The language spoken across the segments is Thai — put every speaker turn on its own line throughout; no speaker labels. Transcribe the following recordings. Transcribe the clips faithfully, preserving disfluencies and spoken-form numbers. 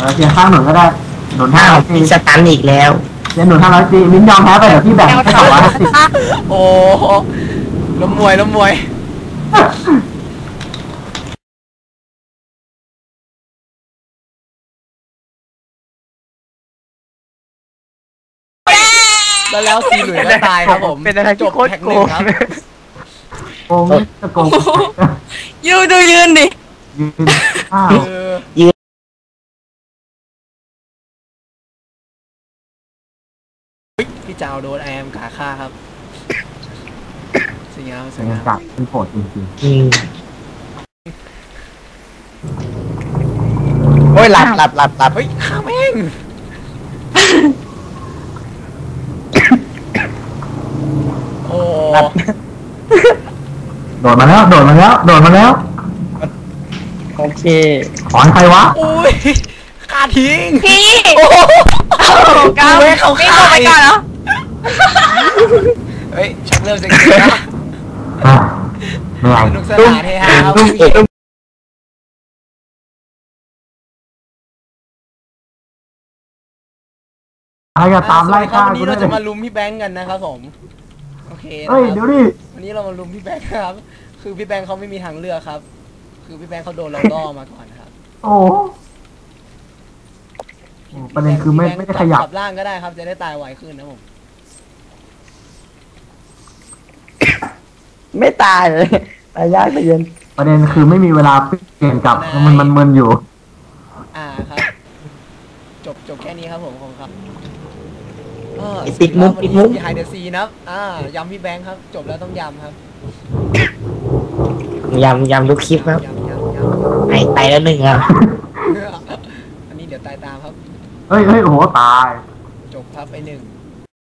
อเสียข้างหนุนก็ได้หนุนห้าร้อยตี
มีสตันอีกแล้ว
เสียหนุนห้าร้อยตีมิ้นยอมแพ้ไปเดี๋ยวพี่แบ่งให้สองร้อยห้าสิบ
โอ้ล้มมวยล้มมวยแล้วแล้วซีหลุยก็ตายครับผม
เป็นอะไร
จบแท็กหนึ่งครับ
โกงจะโกง
ยืนดูยืนดิ
ยืนอ้าว
ยืน
พี่เจ้าโดนไอแอมกาฆ่าครับสวยงามสวยงาม
จับเป็นโผล่จริง
ๆโอ้ยหลับหลับหลับหลับ
เฮ้ยฆ่าแม่งโอ้
โดดมาแล้วโดดมาแล้วโดดมาแล้ว
โอเค
ถอนใครวะ
โอ้ยฆ่าทิ้ง
พี่
โอ้
ก้าวไม่เข้าไปก่อนเหรอ
เฮ้ยชักเริ่มจะเกิดแล้ว
เหนื่อย
สนุกสนานเฮฮาครับ
อะไรก็ตามไล่ฆ่า
วันนี้เรา
กูได้
จะมาลุมพี่แบงค์กันนะครับผมโอเค
เฮ้ยเดี๋ยวดิ
วันนี้เรามาลุมพี่แบงค์ครับคือพี่แบงค์เขาไม่มีทางเลือกครับคือพี่แบงค์เขาโดนเราล่อมาก่อนครับ
โอ้ประเด็นคือไม่ไม่ได้ขยับ
ร่างก็ได้ครับจะได้ตายไวขึ้นนะผม
ไม่ตายเลยตายยากแต่เย็น
ประเด็นคือไม่มีเวลาเปลี่ยนกลับมันมันมึนอยู่
อ่าครับจบจบแค่นี้ครับผมของครับ
ปิดมุกปิดมุก
ไฮเดอร์ซีนะอ่ายำพี่แบงค์ครับจบแล้วต้องยำครับ
ยำยำทุกคลิปครับไอตายแล้วหนึ่งครับ
อันนี้เดี๋ยวตายตามครับ
เฮ้ยเฮ้ยโอ้โหตาย
จบครับไอหนึ่ง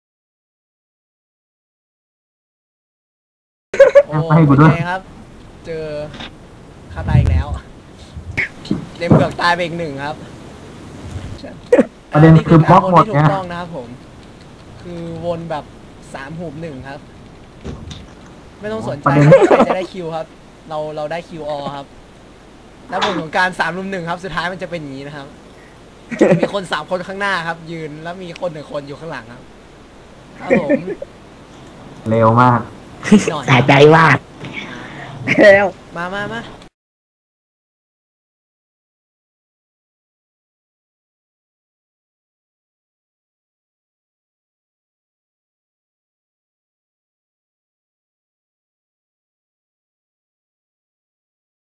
โอ้ยครับเจอฆ่าตายอีกแล้วเล่มเบือกตายไปอีกหนึ่งครับ
ประเด็นคือบล็อกหมด
เนี่ยถูกต้องนะครับผมคือวนแบบสามหูบหนึ่งครับไม่ต้องสนใจใครจะได้คิวครับเราเราได้คิวออครับแล้วผลของการสามรุมหนึ่งครับสุดท้ายมันจะเป็นอย่างนี้นะครับมีคนสามคนข้างหน้าครับยืนแล้วมีคนหนึ่งคนอยู่ข้างหลังครับครับผม
เร็วมาก
สายใจวาดแล้ว
มามามา